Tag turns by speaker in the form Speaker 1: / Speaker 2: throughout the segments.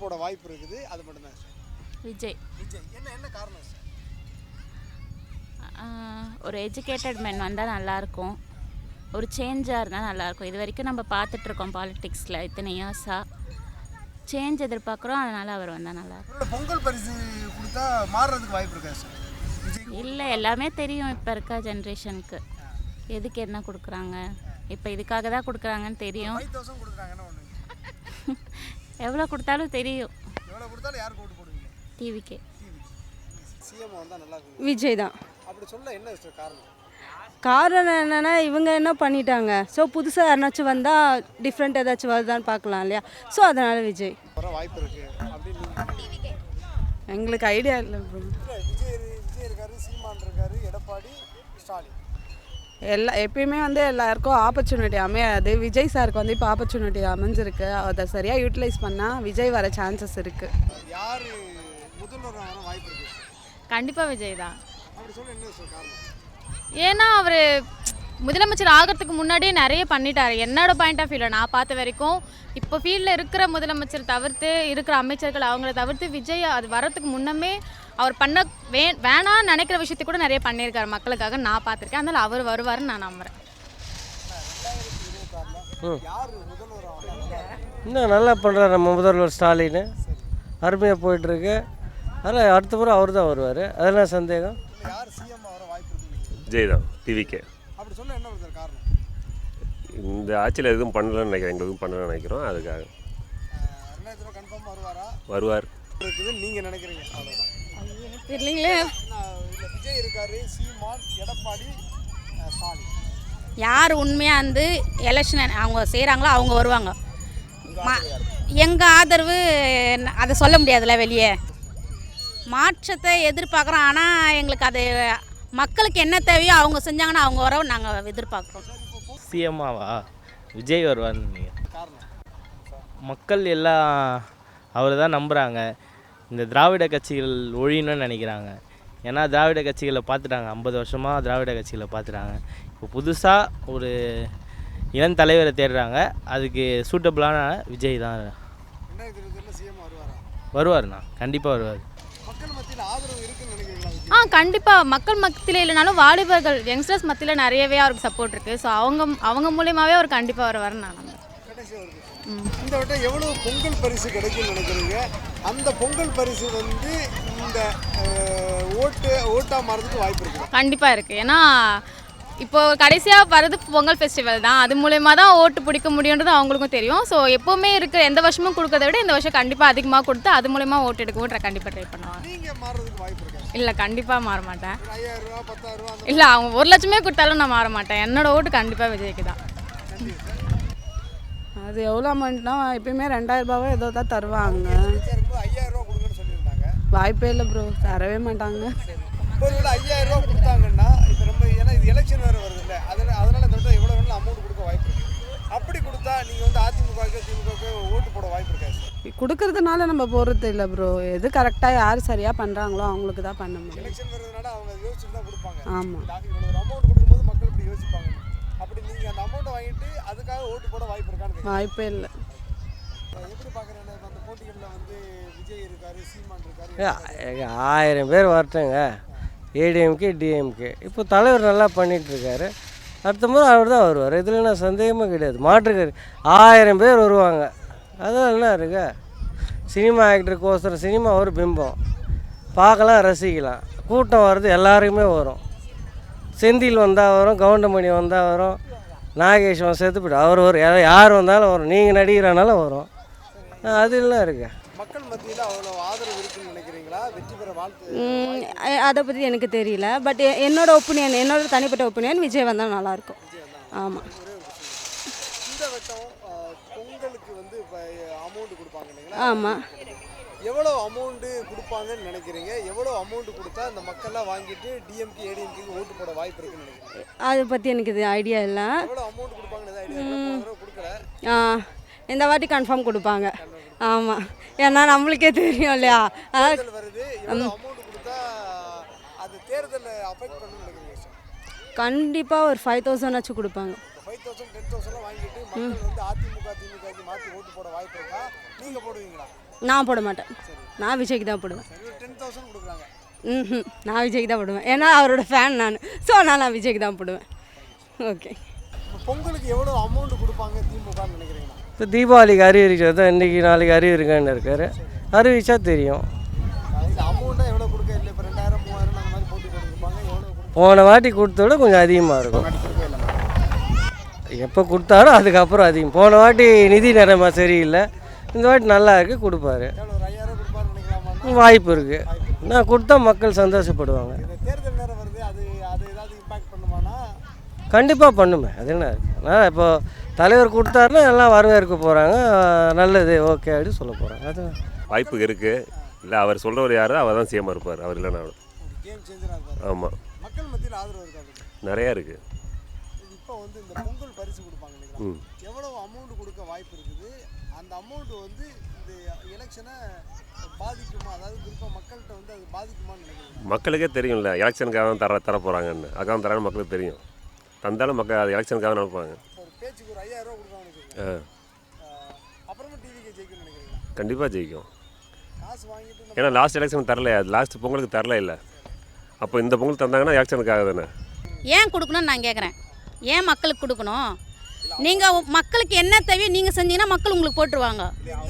Speaker 1: போட வாய்ப்பு இருக்குது. அது மட்டும் தான் சார்.
Speaker 2: விஜய்.
Speaker 1: என்ன காரணம் சார்?
Speaker 2: ஒரு எஜுகேட்டட் மென் வந்தால் நல்லாயிருக்கும். ஒரு சேஞ்சாக இருந்தால் நல்லாயிருக்கும். இது வரைக்கும் நம்ம பார்த்துட்ருக்கோம் பாலிடிக்ஸில் இத்தனை இயர்ஸாக. சேஞ்ச் எதிர்பார்க்குறோம். அதனால் அவர் வந்தால் நல்லாயிருக்கும்.
Speaker 1: பொங்கல் பரிசு கொடுத்தா மாறுறதுக்கு வாய்ப்பு இருக்கா சார்?
Speaker 2: இல்லை, எல்லாமே தெரியும் இப்போ இருக்க ஜென்ரேஷனுக்கு எதுக்கு என்ன கொடுக்குறாங்க. இப்போ இதுக்காக தான் கொடுக்குறாங்கன்னு தெரியும். எவ்வளோ கொடுத்தாலும் தெரியும். டிவிக்கே.
Speaker 3: விஜய் தான்.
Speaker 1: அப்படி சொல்ல என்ன காரணம்?
Speaker 3: காரணம் என்னென்னா இவங்க என்ன பண்ணிட்டாங்க. ஸோ புதுசாக யாருனாச்சும் வந்தால் டிஃப்ரெண்ட் ஏதாச்சும் வருதான்னு பார்க்கலாம் இல்லையா. ஸோ அதனால் விஜய்
Speaker 1: வாய்ப்பு இருக்கு.
Speaker 3: எங்களுக்கு ஐடியா இல்லை ப்ரோ.
Speaker 1: விஜய் இருக்காரு, சீமான் இருக்காரு, எடப்பாடி, ஸ்டாலின்.
Speaker 3: எப்பயுமே வந்து எல்லாருக்கும் ஆப்பர்ச்சுனிட்டி அமையாது. விஜய் சாருக்கு வந்து இப்போ ஆப்பர்ச்சுனிட்டி அமைஞ்சிருக்கு. அதை சரியாக யூட்டிலைஸ் பண்ணால் விஜய் வர சான்சஸ் இருக்குது.
Speaker 1: யார் முதல்வர் வர வாய்ப்பு இருக்கு?
Speaker 2: கண்டிப்பாக விஜய் தான்.
Speaker 1: அப்படி சொல்ல என்ன சார் காரணம்?
Speaker 2: ஏன்னா அவர் முதலமைச்சர் ஆகிறதுக்கு முன்னாடியே நிறைய பண்ணிட்டார். என்னோட பாயிண்ட் ஆஃப் வியூவில் நான் பார்த்த வரைக்கும் இப்போ ஃபீல்டில் இருக்கிற முதலமைச்சர் தவிர்த்து இருக்கிற அமைச்சர்கள் அவங்கள தவிர்த்து விஜய் அது வரத்துக்கு முன்னமே அவர் பண்ண வேணான்னு நினைக்கிற விஷயத்தை கூட நிறைய பண்ணியிருக்காரு மக்களுக்காக நான் பார்த்துருக்கேன். அதனால் அவர் வருவார்னு நான் நம்புகிறேன்.
Speaker 4: இன்னும் நல்லா பண்ணுறாரு நம்ம முதல்வர் ஸ்டாலின். அருமையாக போயிட்டுருக்கு. அதனால் அடுத்த முறை அவர் தான் வருவார். அதெல்லாம் சந்தேகம்.
Speaker 5: விஜய் தான். டிவிக்கே.
Speaker 1: அப்படி சொல்ல என்ன காரணம்?
Speaker 5: இந்த ஆட்சியில் எதுவும் பண்ணலன்னு நினைக்கிறேன். எங்களுக்கு எதுவும் பண்ணலன்னு நினைக்கிறோம். அதுக்காக
Speaker 1: கன்ஃபார்மாக வருவாரா?
Speaker 5: வருவார்
Speaker 1: இருக்குதுன்னு நீங்கள் நினைக்கிறீங்க? அவ்வளோதான்.
Speaker 2: தெரியலீங்களே.
Speaker 1: விஜய் இருக்காரு, சீமான், எடப்பாடி, ஸ்டாலின்.
Speaker 2: யார் உண்மையாக வந்து எலெக்ஷன் அவங்க செய்கிறாங்களோ அவங்க வருவாங்க. எங்கள் ஆதரவு அதை சொல்ல முடியாதுல்ல வெளியே. மாற்றத்தை எதிர்பார்க்குறோம். ஆனால் எங்களுக்கு அது மக்களுக்கு என்ன தேவையோ அவங்க செஞ்சாங்கன்னா அவங்க வர நாங்கள் எதிர்பார்க்குறோம்.
Speaker 6: சிஎம்மாவா விஜய் வருவார்னு மக்கள் எல்லாம் அவர் தான் நம்புகிறாங்க. இந்த திராவிட கட்சிகள் ஒழியணும்னு நினைக்கிறாங்க. ஏன்னா திராவிட கட்சிகளை பார்த்துட்டாங்க. 50 வருஷமாக திராவிட கட்சிகளை பார்த்துட்டாங்க. இப்போ புதுசாக ஒரு இளம் தலைவரை தேடுறாங்க. அதுக்கு சூட்டபிளான விஜய் தான். வருவார்ண்ணா, கண்டிப்பாக வருவார்.
Speaker 2: கண்டிப்பாக மக்கள் மத்தியில் இல்லைனாலும் வாலிபர்கள் யங்ஸ்டர்ஸ் மத்தியில் நிறையவே அவருக்கு சப்போர்ட் இருக்குது. ஸோ அவங்க மூலியமாகவே அவர் கண்டிப்பாக வருவார்னு நான் நம்புறேன்.
Speaker 1: இந்த வட்டம் எவ்வளோ பொங்கல் பரிசு கிடைக்கும்னு நினைக்கிறீங்க? அந்த பொங்கல் பரிசு வந்து இந்த ஓட்டாக மாறதுக்கு வாய்ப்பு இருக்குது?
Speaker 2: கண்டிப்பாக இருக்குது. ஏன்னா இப்போது கடைசியாக வர்றது பொங்கல் ஃபெஸ்டிவல் தான். அது மூலயமா தான் ஓட்டு பிடிக்க முடியுன்றது அவங்களுக்கும் தெரியும். ஸோ எப்போவுமே இருக்கிற எந்த வருஷமும் கொடுக்கறத விட இந்த வருஷம் கண்டிப்பாக அதிகமாக கொடுத்து அது மூலயமா ஓட்டு எடுக்கவும் கண்டிப்பாக ட்ரை பண்ணுவாங்க.
Speaker 1: நீங்கள் மாறதுக்கு வாய்ப்பு இருக்கா?
Speaker 2: இல்லை, கண்டிப்பாக மாற மாட்டேன்.
Speaker 1: 5000 ரூபா 10,000 ரூபா?
Speaker 2: இல்லை, அவங்க 1 லட்சமே கொடுத்தாலும் நான் மாற மாட்டேன். என்னோட ஓட்டு கண்டிப்பாக விஜய்க்கு தான்.
Speaker 3: அது எவ்வளோ அமௌண்ட்னா எப்பயுமே 2000 ரூபாவோ ஏதோ தான் தருவாங்க.
Speaker 1: 5000 ரூபா கொடுங்கன்னு சொல்லியிருந்தாங்க.
Speaker 3: வாய்ப்பே இல்லை ப்ரோ, தரவே மாட்டாங்க.
Speaker 1: ஒரு 5000 ரூபா கொடுத்தாங்கன்னா இப்போ ரொம்ப, ஏன்னா இது எலெக்ஷன் வேறு வருது இல்லை, அதனால் இந்த வட்டம் எவ்வளோ வேணும் அமௌண்ட் கொடுக்க வாய்ப்பு இருக்குது. அப்படி கொடுத்தா நீங்கள் வந்து அதிமுகவுக்கு திமுகவுக்கு ஓட்டு போட வாய்ப்பு இருக்காது.
Speaker 3: கொடுக்கறதுனால நம்ம போகிறது இல்லை ப்ரோ. எது கரெக்டாக யார் சரியாக பண்ணுறாங்களோ அவங்களுக்கு தான் பண்ண முடியும்.
Speaker 1: எலெக்ஷன் வருதுனால அவங்க யோசிச்சுட்டு தான் கொடுப்பாங்க.
Speaker 3: ஆமாம்,
Speaker 1: இவ்வளோ ஒரு அமௌண்ட் கொடுக்கும்போது மக்கள் இப்படி யோசிப்பாங்க. அப்படி நீங்கள் அந்த அமௌண்ட்டை வாங்கிட்டு அதுக்காக ஓட்டு போட வாய்ப்பு இருக்கான்னு?
Speaker 3: வாய்ப்பே இல்லை.
Speaker 1: எப்படி பார்க்குறேன் அந்த போட்டிகளில் வந்து விஜய் இருக்காரு, சீமான் இருக்காரு.
Speaker 4: 1000 பேர் வரட்டுங்க. ஏடிஎம்கே டிஎம்கே. இப்போ தலைவர் நல்லா பண்ணிகிட்ருக்காரு. அடுத்த முறை அவர் தான் வருவார். இதில் என்ன சந்தேகமே கிடையாது. மாற்றுக்காரு 1000 பேர் வருவாங்க. அதெல்லாம் என்ன இருக்கு? சினிமா ஆக்டருக்கோசரம் சினிமா ஒரு பிம்பம் பார்க்கலாம், ரசிக்கலாம். கூட்டம் வர்றது எல்லாருக்குமே வரும். செந்தில் வந்தால் வரும், கவுண்டமணி வந்தால் வரும், நாகேஸ்வரன் சேர்த்து போய்ட்டு அவர் வரும். யார் வந்தாலும் வரும். நீங்கள் நடிகரானாலும் வரும். அது எல்லாம் இருக்குது.
Speaker 1: மக்கள் மத்தியில் அவ்வளோ ஆதரவு இருக்குன்னு நினைக்கிறீங்களா? வெற்றி பெற வாழ்த்து
Speaker 3: அதை பற்றி எனக்கு தெரியல. பட் என்னோட ஒப்பீனியன், என்னோட தனிப்பட்ட ஒப்பீனியன் விஜய் வந்தால் நல்லாயிருக்கும். ஆமாம்.
Speaker 1: இந்த வட்டம் பொங்கலுக்கு வந்து அமௌண்ட் கொடுப்பாங்க இல்லைங்களா?
Speaker 3: ஆமாம்.
Speaker 1: எவ்வளோ அமௌண்ட்டு கொடுப்பாங்கன்னு நினைக்கிறீங்க? எவ்வளோ அமௌண்ட் கொடுத்தா இந்த மக்கள்லாம் வாங்கிட்டு டிஎம்கே ஏடிஎம்கேக்கு ஓட்டு போட வாய்ப்பு இருக்குன்னு நினைக்கிறீங்க?
Speaker 3: அதை பற்றி எனக்கு இது ஐடியா இல்லை.
Speaker 1: எவ்வளோ அமௌண்ட் கொடுப்பாங்கன்னு ஐடியா கொடுக்கல.
Speaker 3: இந்த வாட்டி கன்ஃபார்ம் கொடுப்பாங்க. ஆமாம், ஏன்னா நம்மளுக்கே தெரியும் இல்லையா.
Speaker 1: வருது, அமௌண்ட் கொடுத்தா அது தேர்தலை அஃபெக்ட் பண்ணணும்னு நினைக்கிறீங்க?
Speaker 3: கண்டிப்பாக ஒரு 5000 ஆச்சும் கொடுப்பாங்க.
Speaker 1: 5000 10,000 வாங்கிட்டு மக்கள் வந்து அதிமுக திமுகக்கு மாற்றி ஓட்டு போட வாய்ப்பு இருக்கா? நீங்கள் போடுவீங்களா?
Speaker 7: நான் போட மாட்டேன். நான் விஜய்க்கு தான் போடுவேன்.
Speaker 1: 10,000 கொடுக்குறாங்க.
Speaker 7: நான் விஜய்க்கு தான் போடுவேன். ஏன்னா அவரோட ஃபேன் நான். ஸோ நான் விஜய்க்கு தான் போடுவேன். ஓகே.
Speaker 1: இப்போ பொங்கலுக்கு எவ்வளோ அமௌண்ட் கொடுப்பாங்க திமுகன்னு நினைக்கிறீங்களா?
Speaker 4: இப்போ தீபாவளிக்கு அறிவிக்கிறது தான் இன்றைக்கி நாளைக்கு அறிவிருக்கான்னு இருக்காரு. அறிவிச்சா தெரியும்.
Speaker 1: இது அமௌண்ட்டாக எவ்வளோ கொடுக்க இல்லை. இப்போ 2,000 3,000 அந்த மாதிரி போட்டு கொடுப்பாங்க. எவ்வளோ கொடுப்பாங்க?
Speaker 4: போன வாட்டி கொடுத்த விட கொஞ்சம் அதிகமாக இருக்கும். எப்போ கொடுத்தாரோ அதுக்கப்புறம் அதிகம். போன வாட்டி நிதி நிலைமை சரியில்லை, இந்த வாட்டி நல்லா இருக்குது, கொடுப்பாரு.
Speaker 1: எவ்வளோ ஒரு 5,000 கொடுப்பாருன்னு நினைக்கலாமா?
Speaker 4: வாய்ப்பு இருக்குது. நான் கொடுத்தா மக்கள் சந்தோஷப்படுவாங்க.
Speaker 1: இந்த தேர்தல் நேரம் வருது, அது அது ஏதாவது இம்பாக்ட் பண்ணுமானா?
Speaker 4: கண்டிப்பாக பண்ணுமே. அது என்ன இருக்குது, நான் இப்போ தலைவர் கொடுத்தாருன்னா எல்லாம் வரவேற்க போகிறாங்க. நல்லது, ஓகே அப்படின்னு சொல்ல போகிறாங்க. அது
Speaker 5: வாய்ப்பு இருக்குது. இல்லை அவர் சொல்கிறவர் யாரோ அவர் தான் சிஎம்மாக இருப்பார். அவர் இல்லைனா
Speaker 1: கேம் சேஞ்சராக இருப்பாரு.
Speaker 5: ஆமாம்,
Speaker 1: மக்கள் மத்தியில் ஆதரவு இருக்காது.
Speaker 5: நிறையா இருக்குது.
Speaker 1: இப்போ வந்து இந்த பொங்கல் பரிசு கொடுப்பாங்க இல்லைங்களா? எவ்வளோ அமௌண்ட் கொடுக்க வாய்ப்பு இருக்குது? அந்த அமௌண்ட் வந்து இந்த எலெக்ஷனை பாதிக்குமா? அதாவது குறிப்பாக மக்கள்கிட்ட வந்து அது பாதிக்குமான்னு நினைக்கிறீங்க?
Speaker 5: மக்களுக்கே தெரியும்ல, எலெக்ஷனுக்காக தான் தர போகிறாங்கன்னு. அதுக்காக தராங்க மக்களுக்கு தெரியும். தந்தாலும் மக்கள் அது எலெக்ஷனுக்காக நினைப்பாங்க.
Speaker 1: ஒரு பேச்சுக்கு ஒரு 5,000 கொடுக்காங்கன்னு வச்சுக்கோங்க. அப்புறமா டிவிக்கு ஜெயிக்கும்னு நினைக்கிறீங்களா?
Speaker 5: கண்டிப்பாக ஜெயிக்கும்.
Speaker 1: காசு வாங்கிட்டு
Speaker 5: ஏன்னா லாஸ்ட் எலெக்ஷன் தரல, அது லாஸ்ட் பொங்கலுக்கு தரல இல்லை. அப்போ இந்த பொங்கல் தந்தாங்கன்னா எலெக்ஷனுக்காக தானே.
Speaker 8: ஏன் கொடுக்கணும்னு நான் கேட்குறேன். ஏன் மக்களுக்கு கொடுக்கணும்? நீங்கள் மக்களுக்கு என்ன தேவையோ நீங்கள் செஞ்சீங்கன்னா மக்கள் உங்களுக்கு போட்டுருவாங்க.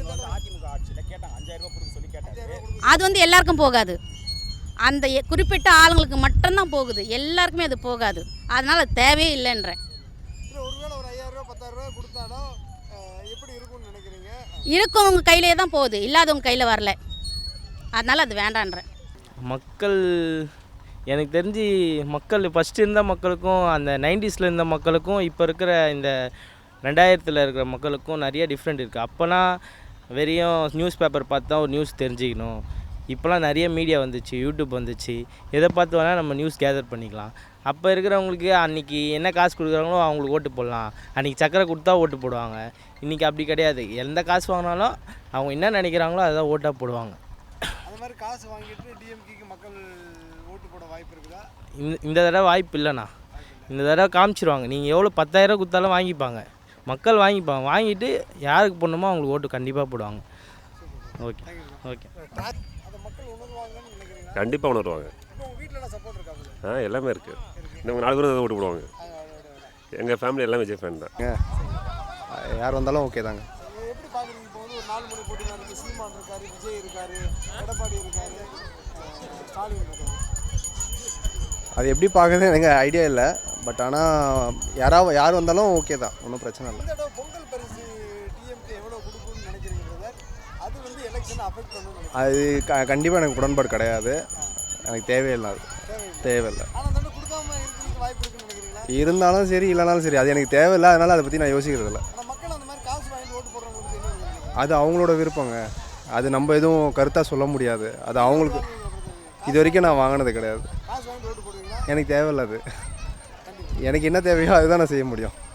Speaker 8: அது வந்து எல்லாருக்கும் போகாது. அந்த குறிப்பிட்ட ஆளுங்களுக்கு மட்டும்தான் போகுது, எல்லாருக்குமே அது போகாது. அதனால் அது தேவையே இல்லைன்றேன்.
Speaker 1: இல்லை, ஒருவேளை ஒரு 5,000 10,000 கொடுத்தாலும் எப்படி இருக்கும்னு நினைக்கிறீங்க?
Speaker 8: இருக்கவங்க கையிலே தான் போகுது, இல்லாதவங்க கையில் வரல. அதனால் அது வேண்டான்றேன்.
Speaker 6: மக்கள் எனக்கு தெரிஞ்சு மக்கள் ஃபஸ்ட்டு இருந்த மக்களுக்கும் அந்த 90s இருந்த மக்களுக்கும் இப்போ இருக்கிற இந்த 2000 இருக்கிற மக்களுக்கும் நிறைய டிஃப்ரெண்ட் இருக்குது. அப்போனா வெறும் நியூஸ் பேப்பர் பார்த்து தான் ஒரு நியூஸ் தெரிஞ்சுக்கணும். இப்போலாம் நிறைய மீடியா வந்துச்சு, யூடியூப் வந்துச்சு, எதை பார்த்து வேணால் நம்ம நியூஸ் கேதர் பண்ணிக்கலாம். அப்போ இருக்கிறவங்களுக்கு அன்றைக்கி என்ன காசு கொடுக்குறாங்களோ அவங்களுக்கு ஓட்டு போடலாம். அன்றைக்கி சக்கரை கொடுத்தா ஓட்டு போடுவாங்க. இன்றைக்கி அப்படி கிடையாது. எந்த காசு வாங்கினாலும் அவங்க என்ன நினைக்கிறாங்களோ அதை ஓட்டாக போடுவாங்க.
Speaker 1: அந்த மாதிரி காசு வாங்கிட்டு டிஎம்கேக்கு மக்கள் ஓட்டு போட வாய்ப்பு இருக்குதா?
Speaker 6: இந்த தடவை வாய்ப்பு இல்லைண்ணா. இந்த தடவை காமிச்சிருவாங்க. நீங்கள் எவ்வளோ 10,000 கொடுத்தாலும் வாங்கிப்பாங்க, மக்கள் வாங்கிப்பாங்க. வாங்கிட்டு யாருக்கு போடணுமோ அவங்களுக்கு ஓட்டு கண்டிப்பாக போடுவாங்க. Okay okay.
Speaker 1: அதை மக்கள் உணர்வாங்கன்னு நினைக்கிறீங்களா?
Speaker 5: கண்டிப்பாக உணர்வாங்க.
Speaker 1: இப்போ உங்கள் வீட்டில் சப்போர்ட் இருக்காங்க?
Speaker 5: எல்லாமே இருக்குது. இந்த 4 பேரும் தான் ஓட்டு போடுவாங்க. எங்கள் ஃபேமிலி எல்லாம் விஜய் ஃபேன் தான்.
Speaker 9: யார் வந்தாலும் ஓகே தாங்க.
Speaker 1: எப்படி பார்க்குறீங்க? இப்போ வந்து ஒரு 4 மணி போட்டி நடக்குது. சீமான் இருக்காரு, விஜய் இருக்காரு, எடப்பாடி இருக்காரு, ஸ்டாலின் இருக்காரு.
Speaker 9: அது எப்படி பார்க்குறது எனக்கு ஐடியா இல்லை. பட் ஆனால் யார் வந்தாலும் ஓகே தான், ஒன்றும் பிரச்சனை இல்லை.
Speaker 1: இந்த தடவை பொங்கல் பரிசு டிஎம்கே எவ்வளோ கொடுக்கும்னு நினைக்கிறீங்க பிரதர்? அது வந்து எலெக்ஷனை அஃபெக்ட் பண்ணணும்னு
Speaker 9: அது கண்டிப்பாக எனக்கு உடன்பாடு கிடையாது. எனக்கு தேவையில்லை, அது தேவையில்லை.
Speaker 1: ஆனால் அந்த கொடுக்காம இருக்கிறதுக்கு வாய்ப்பு இருக்குன்னு நினைக்கிறீங்களா?
Speaker 9: இருந்தாலும் சரி இல்லைனாலும் சரி, அது எனக்கு தேவையில்லை. அதனால் அதை பற்றி நான் யோசிக்கிறது இல்லை.
Speaker 1: ஆனால் மக்கள் அந்த மாதிரி காசு வாங்கிட்டு ஓட்டு போடுறவங்களுக்கு என்ன நினைக்கிறீங்க?
Speaker 9: அது அவங்களோட விருப்பங்க. அது நம்ம எதுவும் கருத்தாக சொல்ல முடியாது. அது அவங்களுக்கு. இது வரைக்கும் நான் வாங்கினது கிடையாது.
Speaker 1: காசு வாங்கிட்டு ஓட்டு போடுவீங்களா?
Speaker 9: எனக்கு தேவையில்லை. அது எனக்கு என்ன தேவையோ அதுதான் நான் செய்ய முடியும்.